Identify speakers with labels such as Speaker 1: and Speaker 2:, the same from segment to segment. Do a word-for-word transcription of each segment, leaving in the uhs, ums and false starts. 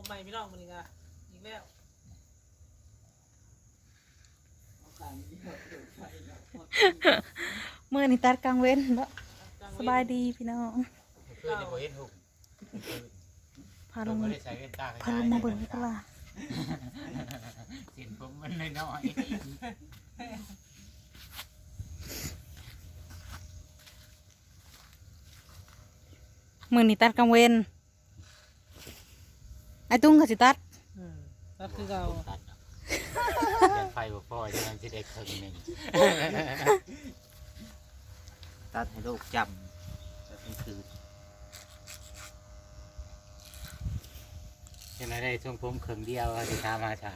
Speaker 1: ใหม่พี่น้องมันอีกอ่ะอีกแล้ว
Speaker 2: เมื่อนี่ตัดกลางเว้นเนาะสบายดีพี่น้อง
Speaker 3: คือในโบเห็นหุบ
Speaker 2: พาล
Speaker 3: ล
Speaker 2: ง
Speaker 3: ง
Speaker 2: มา
Speaker 3: มาได้ใส่เวนตา
Speaker 2: พาลงมาเบิ่งตลาด
Speaker 3: สินผมมันน้อย
Speaker 2: มื่อนี่ตัดกลางเว้นไอ้ตุ้งก็สิตัด
Speaker 1: อืมก็คือเรา
Speaker 3: ตัดยันไฟบ่พอจะนั่งสิได้ครึ่งหนึ่ง
Speaker 4: ตัดให้ลูกจำจะเป็นคืน
Speaker 3: ยังไงได้ช่วงผมครึ่งเดียวจะทำมาฉาน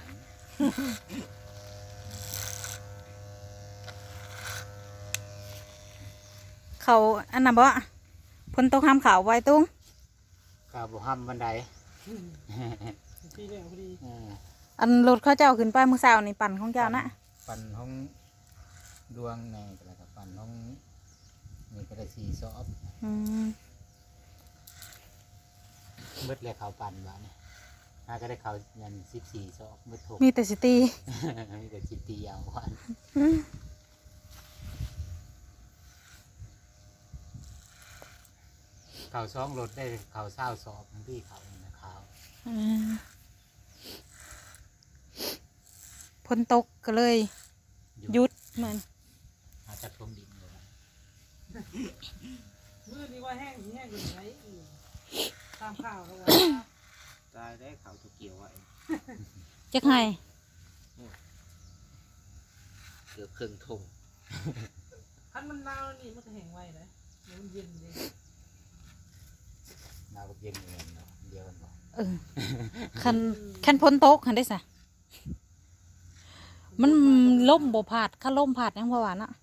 Speaker 2: เขาอันน่ะบ่พ้นตกห้ามเขาไว้ตุ้ง
Speaker 3: ก็บ่ห้ำบันได
Speaker 1: ที่เรียกพอดี
Speaker 3: เออ
Speaker 2: อันรถเขาเจ้าขึ้นไปเมื่อเช้านี่ปั่นของเจ้านะ
Speaker 3: ปั่นห้องดวงในก็แล้วก็ปั่นห้องนี่ก็ได้สี่ซอบ
Speaker 2: อืม
Speaker 3: เบิดเลยเขาปั่นบ้านี่น่าก็ได้เขายันสิบสี่ซอบเบิดถูก
Speaker 2: มีแต่สิตี
Speaker 3: มีแต่จิตตีเอาวัน
Speaker 2: อืม
Speaker 3: เขาซ่องรถได้เขาเศร้าสอบที่เขานะเขา
Speaker 2: อืมพ้นตกก็เลยหยุดเหมือน
Speaker 3: อาจจะท่วมดินเลยนะ
Speaker 1: มือนี่ว่าแห้งที่แห้งอยู่ไหนตามข่าวเขาว่า
Speaker 4: ตายได้เขาถูกเกี่ยวไว้
Speaker 2: จักให้
Speaker 4: เกือบครึ่งทุ่ง
Speaker 1: คันมันหนาวนี่มันก็แห้งไว้นะมันเย็นเลย
Speaker 3: นาก็เย็นเหมือนกันเนาะเดียวกันบ่
Speaker 2: เออคันคันพ้นตกคันได้สะมันล่มบ่ผาดคันล่มผาดยังบ่หวานอ่ะ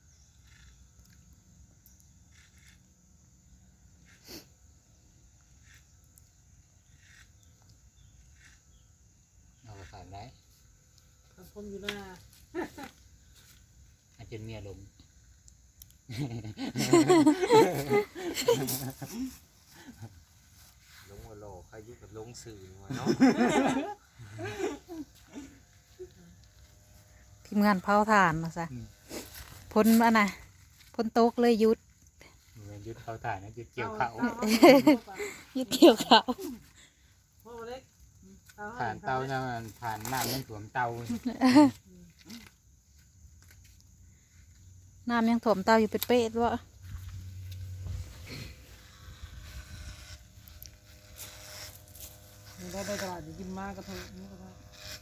Speaker 3: เอาไปฝากได้
Speaker 1: คันผมอยู่หน้า
Speaker 3: อาจจะเมียลง
Speaker 4: ลงหัวโลใครยึดกับลงสื่อมาเนาะ
Speaker 2: ทีมงานเผาถ่านมาซะพ้นอันน่ะพ้นตกเลยหยุด
Speaker 3: เหมือนยึดเขาถ่ายนะยึดเกี่ยวเขา
Speaker 2: หยุดเกี่ยวเขา
Speaker 1: พ่อเล็ก
Speaker 3: ผ่านเตานะมันผ่านน้ำมันถ่วมเตา
Speaker 2: น้ำยังถ่วมเตาอยู่เป็ดๆวะ
Speaker 1: ได้ได้ตลาดจะกินมากกระเทยนี่ก็ได้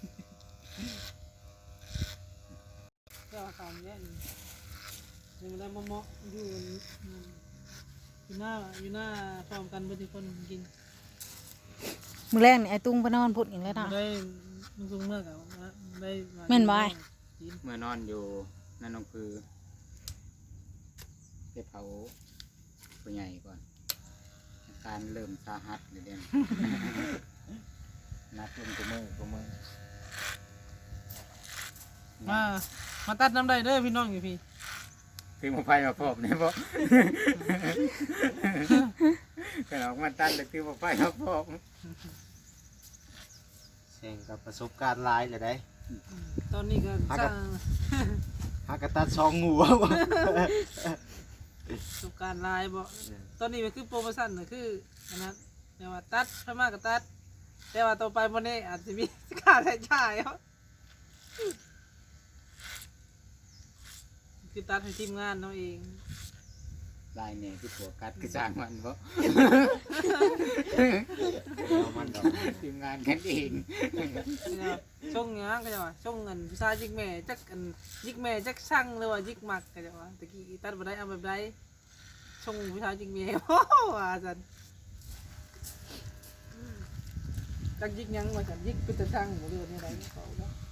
Speaker 1: ก็เอาข่าวนี้นี่ยังได้มะม่วงอยู่อยู่หน้าอยู่หน้าพร้อมกันเพื่อที่คนกิน
Speaker 2: มือแรกนี่ไอ้ตุ้งไปนอนพุดอีกแล้วนะ
Speaker 1: ได้มึงซุงเมื่อกับได้
Speaker 2: แม่นบ่อ้าย
Speaker 3: เมื่อนอนอยู่นั่นน้องคือไปเผาผู้ใหญ่ก่อนอาการเริ่มสาหัสเลยเด่น นัดลงกูมือกูมือ
Speaker 1: มามาตัดน้ำได้เด้อพี่น้องอยู่พี่
Speaker 3: คือมาไฟมาพบเนี่ย บ่ก็ออกมาตันแต่คือมาไฟมาพบ
Speaker 4: แสงกับประสบการณ์หลายเลยได้
Speaker 1: ตอนนี้ก็สร้าง
Speaker 4: หากระตัดซองงูวะ
Speaker 1: ประสบการณ์ลายบ่ตอนนี้มันคือโปรโมชั่นน่ะคืออันนั้นแต่ว่าตัดพม่าก็ตัดแต่ว่าต่อไปวันนี้อาจจะมีค่าใช้จ่ายเขาคือตัดให้ทีมงานเราเอง
Speaker 3: ลายเนี่ยคือผัวกัดคือจ้างมันบ่
Speaker 4: เอามันดอก
Speaker 3: ทีมงานกันเอง
Speaker 1: เนี่ยช่วงเนี้ยก็จะว่าช่วงเงินพิซซ่ายิกแม่จักอันยิกแม่จักช่างหรือว่ายิกหมักก็จะว่าตะกี้ตัดบ่ได้เอาแบบใดช่วงพิซซ่ายิกแม่ โอ้ว่าจันจักยิกหยังว่าจันยิกเป็นตะช่างบ่เรื่องนี้ไรเขาเนาะ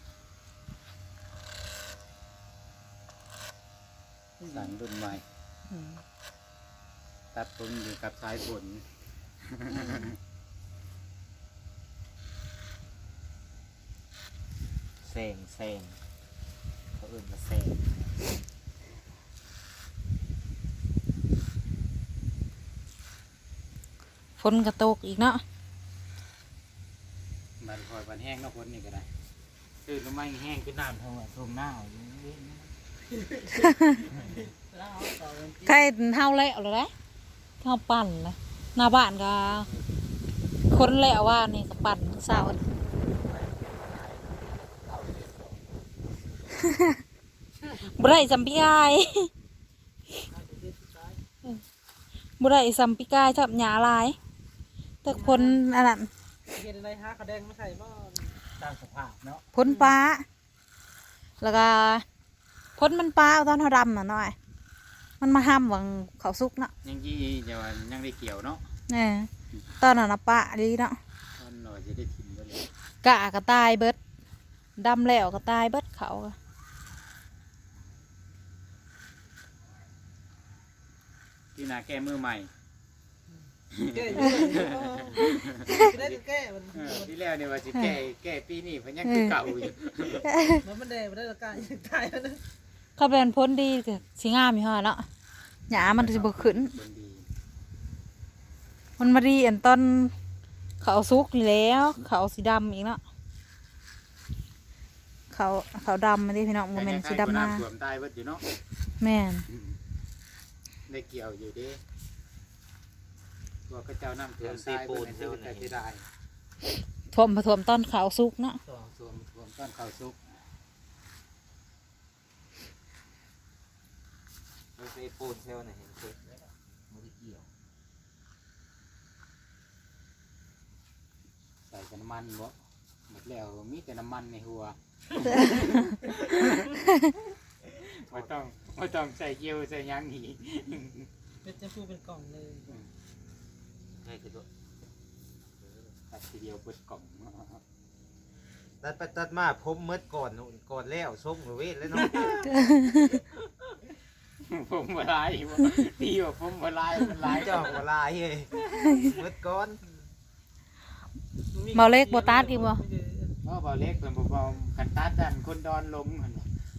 Speaker 3: สั่งรุ่นใหม่
Speaker 2: อืม
Speaker 3: ตัดผมอยู่กับสายฝน
Speaker 4: แสงแสงเขาอื่นมาแสง
Speaker 2: ฝนกระตกอีกเนาะ
Speaker 3: บันคอยบันแห้งเนาะคนนี่ก็ได้ตื่นลงมาแห้งเป็นน้ำทงทงหน้าอยู่เว้ย
Speaker 2: ใครเฮาแล้วเลยนะเฮาปั่นนะหน้าบ้านก็คนแล้วว่านี่ก็ปั่นสาวบ่ได้สัมพี่กายบ่ได้สัมพี่กายชอบหยาลายแต่คนอันนั้น
Speaker 1: เฮ็ดอะไรหาขะแดงมาใส่บ่
Speaker 3: ตามสภาพเนาะ
Speaker 2: พ้นปลาแล้วก็พ้นมันปลาเอาตอนเขาดำน่ะหน่อยมันมาห้ามหวังเขาซุกเนาะ
Speaker 3: ยังยี่จะว่ายังได้เกี่ยวเนาะ
Speaker 2: เนี่ยตอนนั้นนะปลาดีเนาะ
Speaker 3: ตอนหน่อยจะได้ถิ่นไปเลย
Speaker 2: กะกระตายเบิดดำแล้วกระตายเบิดเขาก็
Speaker 3: ที่นาแก้มือใหม่
Speaker 1: แก้อยู่สิได้แก้มัน
Speaker 3: เออที่แล้วเนี่ยว่าจะแก้แก้ปีนี้เพราะยังคือเก่าอยู่
Speaker 1: มันมันแดงบ่ได้ละกายตายแล้วนะ
Speaker 2: เขาเป็นพ้นดีก็สิงามอยู่ฮะเนาะหยามันจะบกขึ้น
Speaker 3: คนดี
Speaker 2: มันมาดีอันตอนเขาซุกนี่แล้ว เขาสีดำอีกเนาะเขาเขาดำมาดิพี่น้องโมเมนต์สีดำหน้า
Speaker 3: สวมตายเบิดอยู่เนาะ
Speaker 2: แม่น
Speaker 3: ได้เกี่ยวอยู่ดิตัวกระเจ้าน้ำท่วมตายเบิดในชีวิตแต่ที่ได้
Speaker 2: ท่วมผท่วมตอนเขาซุกเนาะ
Speaker 3: สวมสวมสวมต้นข้าวซุก
Speaker 4: เราใส่ปูนเซลล์น่ะเห็นเสร็จแล้วบ่ได้เกี่ยว
Speaker 3: ใส่แต่น้ำมันบ่หมดแล้วมีแต่น้ำมันในหัวไม่ต้องไม่ต้องใส่เกี๊ยวใส่หยังหี
Speaker 1: เป็นจะพูเป็นกล่องเลย
Speaker 4: ง่ายคือตัว
Speaker 3: ตัดทีเดียวเปิดกล่อง
Speaker 4: ตัดไปตัดมาผมเมื่อก่อนนู่นก่อนแล้วส้มกับเวทแล้วเนาะ
Speaker 3: ผมมาลายบ่ตีว่าผมมาลายมันลาย
Speaker 4: เจ้าหัวลายเฮ้ยเมื่อก่อน
Speaker 2: เมาเล็กโบตัสอีกบ่
Speaker 3: เพราะเบาเล็กเป็นเบาๆขันตัดดันคนดอนลงหั่น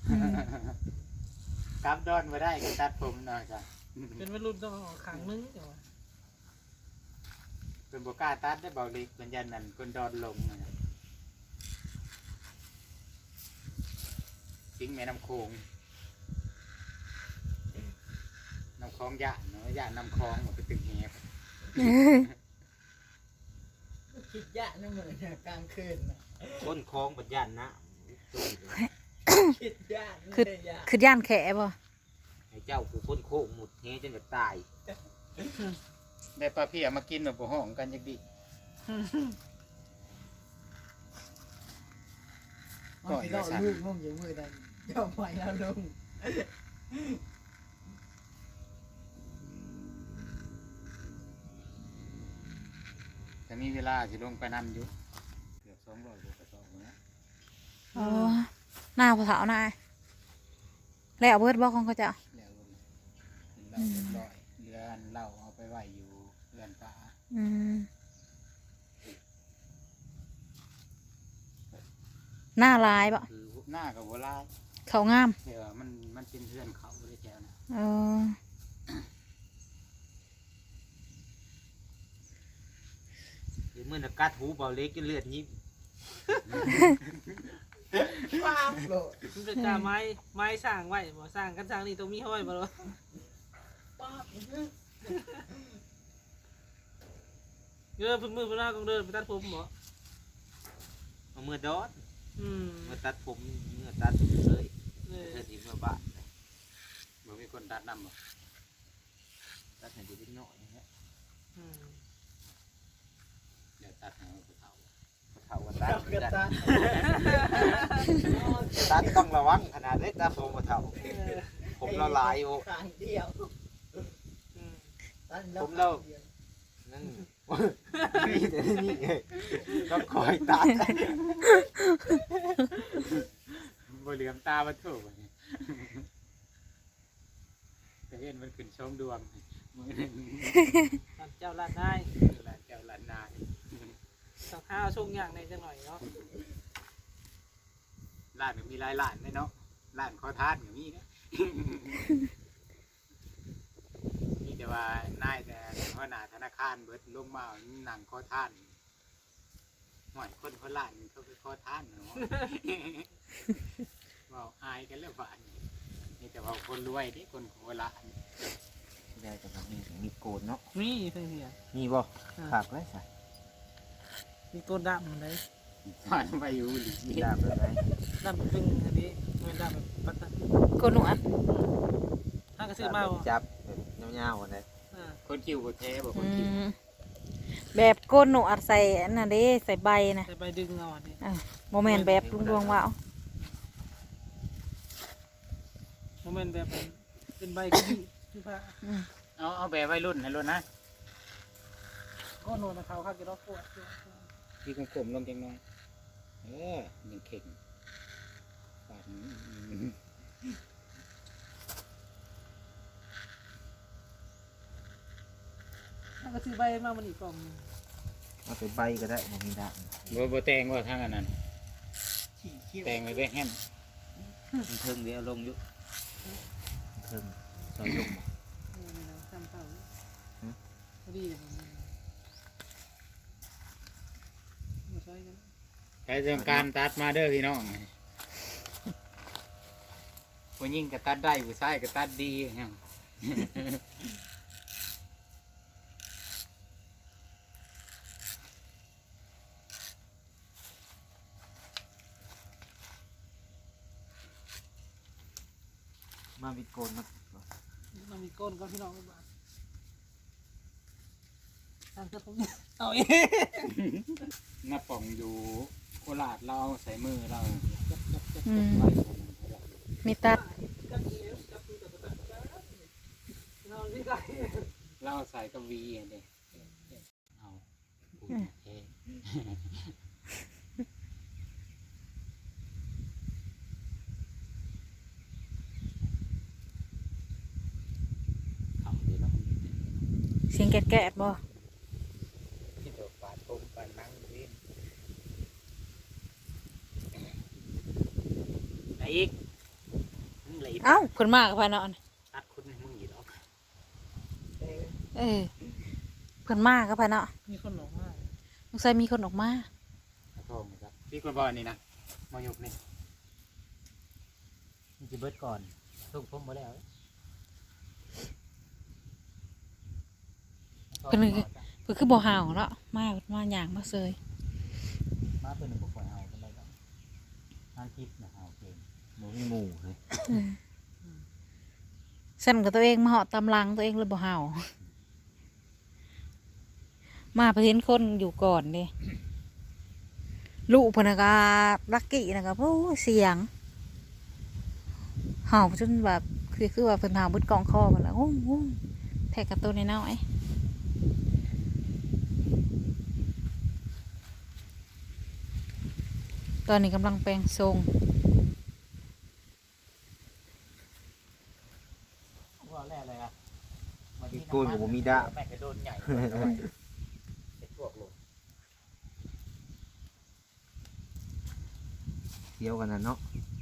Speaker 3: กลับดอนมาได้ก็ตัดผมหน่อยจ้ะ
Speaker 1: เป็นวัยรุ่นต้องเอาขังนึงเดี๋ยว
Speaker 3: เป็นบกล้าตัดได้เบาเล็กเป็นยันนั่นคนดอนลงน่ะทิ้งแม่น้ำโขงน้ำคลองยะเนาะยะน้ำคลองมันไปตึกแหบ
Speaker 1: คิดยะนั่นเหมือนกลางคืนนะ
Speaker 4: ก้นคลองบัดยันนะ
Speaker 1: คิดยะ
Speaker 2: คือคือย่านแขบ่
Speaker 4: ให้เจ้าผู้พ้นโคกหมุดเฮจนจะตาย
Speaker 3: ได้ปลาเพียมากินแบบห้องกันจักดิก่อน
Speaker 1: เรา
Speaker 3: จะสั่น
Speaker 1: ลูกงงอยู่มือนั้นเจ้าไปแล้วลุง
Speaker 3: จะมีเวลาสิลงไปนำอยู่เกือบสองร้อยกว่ากระสอบนะ
Speaker 2: อ๋อหน้าผู้สาวนายแล้วเบิดบอกของเขาเจ้า
Speaker 3: แล้วเราเรียบร้อยเรือนเราเอาไปไหวอยู่เรือนป่า
Speaker 2: อืมหน้าลายบ่
Speaker 3: คือหน้ากับวัวลาย
Speaker 2: เขางาม
Speaker 3: เดี๋ยวมันมันเป็นเรือนเขาเลยแถวนะ
Speaker 2: เออ
Speaker 4: หรือมื่อนักกัดหูเบาเล็กก็เลือดยิบ
Speaker 1: ป้าบโหลดมันเป็นจ่าไม้ไม้สร้างไว้บ่สร้างกันสร้างนี่ต้องมีห้อยบ่หรอป้าบเดินพึ่งมือพึ่งหน้าก็เดินไปตัดผมบ่
Speaker 4: เอามื่อดอด
Speaker 1: อืม
Speaker 4: เมื่อตัดผมเมื่อตัดผมเสย
Speaker 1: เออ
Speaker 4: เมื่อที่เมื่อบ้าน
Speaker 3: บ่มีคนตัดนำบ่
Speaker 4: ตัดให้ดูนิดหน่อยนะฮะ
Speaker 1: อืม
Speaker 3: เดี๋ยวตัดให้เขาเฒ่า
Speaker 4: เท่ากันตัดตัดตัดต้องระวังขนาดเล็กตัดผมมาเท่า
Speaker 1: เออ
Speaker 4: ผมละลายโอ้
Speaker 1: ครั้งเดียวอืม
Speaker 4: ผมเรานั่นนี่แต่นี่ไงต้องคอยตัด
Speaker 3: บ่เหลือมตาบ่ถูกนี่แต่เห็นมันขึ้นชมดวงมื้อนึง
Speaker 1: ท่านเจ้าลาดได้
Speaker 3: หลานเจ้าหลานนาย
Speaker 1: สักข้าวช่วงอย่างในจังหน่อยเนาะ
Speaker 3: ร้านก็มีหลายร้านเลยเนาะร้านขอทานก็มีนะ มีแต่ว่านายแต่หัวหน้าธนาคารเบิดลงมานั่งขอทานหอยคนเขาละนี่เขาไปขอทานเนาะ เว้าอายกันแล้วบ้านนี้นี่แต่ว่าคนรวยเด้คนโคราช
Speaker 4: ได้แต่ว่ามีมีโกนเนาะ
Speaker 1: มีเพิ่นเสีย
Speaker 4: มีบ่ขาดไว้ใส่
Speaker 1: มีต้นดำเลย
Speaker 3: ผ่านไปอยู่หรือ
Speaker 4: มีดาบอะไร
Speaker 1: ดำเป็นอันนี้มันดำแบบปัตตา
Speaker 2: โกนหนวด
Speaker 1: ถ้าก็ซื้อมาบ่
Speaker 4: จับแบบยาวๆกันเลย
Speaker 1: อ่า
Speaker 3: คนคิวบ่แท้บ่ค
Speaker 2: อื
Speaker 3: นคิว
Speaker 2: มแบบโกนหนวดใส่อันนั้นเด้ใส่ใบนะ
Speaker 1: แต่ไปดึงเอาอันนี้
Speaker 2: อ่ะโมเมนต์แบบลุงดวงว่าว
Speaker 1: โมเมนต์แบบเป็นใบกระบี่ที่ผ้า
Speaker 2: อืม
Speaker 3: เอาเอาแบบวัยรุ่นให้รุ่นนะ
Speaker 1: ก็โนนนะเขาข้าจะรอกปวด
Speaker 3: พี่กลมๆลงจังหน่อยเออยังเข่งปาดนี้อืม
Speaker 1: ถ้าก็ซื้อใบมามันอีกกล่อง
Speaker 4: เอาไปใบก็ได้บ่มีดาบ
Speaker 3: บ่บ่แต่งว่าทางอันนั้นแต่งไว้ได้แฮม
Speaker 4: มันเทิงเดียวลงอยู่เทิงซอยลงบ่
Speaker 1: นี่นะทำเต่า
Speaker 4: หือ
Speaker 1: พอดีเลยผมมาใช้กัน
Speaker 3: ใครต้องการตัดมาเด้อพี่น้องผู้หญิงก็ตัดได้ผู้ชายก็ตัดดีแฮม
Speaker 4: มาวิดโกนมา
Speaker 1: มันมีก้นก็พี่น้องบ้านทางเสื้อผมเอาเอง
Speaker 3: น้าป่องอยู่โคราชเราเอาใส่มือเรา
Speaker 2: อืม
Speaker 3: ไว้
Speaker 2: มีตัด
Speaker 1: เราไม่ได้
Speaker 3: เราใส่กับวีอันนี้เอาพูดเท่เอาเดี๋ยวเรา
Speaker 2: เสียงแกะๆบ่
Speaker 3: ที่ตัวปาดผมปาดนั่งดิไหนอีกมึงไหล
Speaker 2: เอ้าเพิ่นมากับพานอน
Speaker 3: ตัดคุณให้มึงอยู่ดอก
Speaker 2: เออเพิ่นมากับพานอน
Speaker 1: มีคนหลงมาก
Speaker 2: สงสัยมีคนออกมา
Speaker 3: ขอโทษนะครับพี่คนบอกอันนี้นะมาหยุกนี่มันจะเบิดก่อนส่งผมมาแล้ว
Speaker 2: เพิ่นคือเพิ่นคือบ่ห่าวเนาะมามาหยังมาเซย
Speaker 3: มาเป็นหนึ่งบุคคลเอาเป็นไรบ้างงานคลิปนะเอาเก่ง
Speaker 4: บ่มีหมู่เลย
Speaker 2: สั่นกับตัวเองมาเหาะตำลังตัวเองเลยบ่ห่าวมาเพิ่นเห็นคนอยู่ก่อนเด้ลูกเพิ่นน่ะก็ลักกี้น่ะก็โอ้เสียงเห่าจนแบบคือคือว่าเพิ่นห่าวเบิดกองคอมันละโอ้โหแทกกับตัวน้อยๆตอนนี้กำลังแปลงทรง
Speaker 3: ว่าแรกเลยอ่ะ
Speaker 4: วิดโกนก็บ่มีดาบ
Speaker 3: แม่กระโดนใหญ่เจ็ดพวกลง
Speaker 4: เดียวกันน่ะเนาะ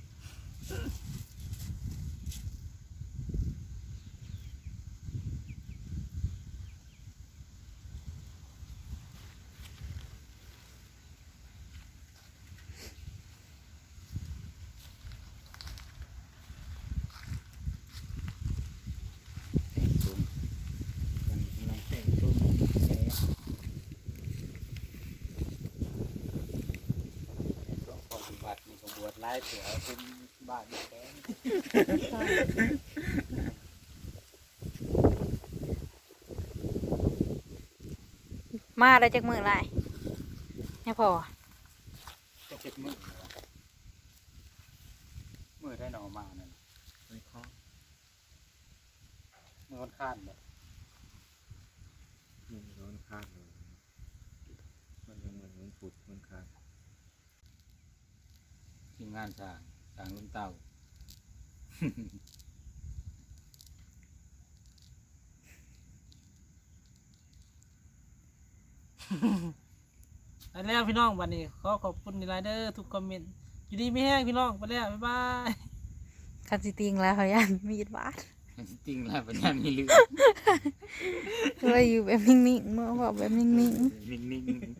Speaker 3: แต่งชุมมันกำลังแต่งชุมแซ่ช่วงปฏิบัติมีขบวนไล่เสือเป็นบ้านแก้ง
Speaker 2: มาได้จากมือไรเนี่ยพอ
Speaker 3: จะเจ็บมือมือได้หนอมานั่น
Speaker 4: ไม่ข้อ
Speaker 3: มือค่อนข้างแบบ
Speaker 4: มันร้อนข้างเลยมันยังเหมือนมันปุดมันข้าง
Speaker 3: ทีมงานสร้างสร้างลุ่มเต่า
Speaker 1: ไปแล้วพี่น้องวันนี้ขอขอบคุณในไลน์เดอร์ทุกคอมเมนต์อยู่ดีไม่แห้งพี่น้องไปแล้วบ๊ายบาย
Speaker 2: คันสิติงแล้วเขายันมีดบาด
Speaker 3: จริงแล้วปัญญามีเรื่อง
Speaker 2: เลยอยู่แบบนิ่งๆเมื่อว่าแบบนิ่งๆ
Speaker 3: นิ่งๆ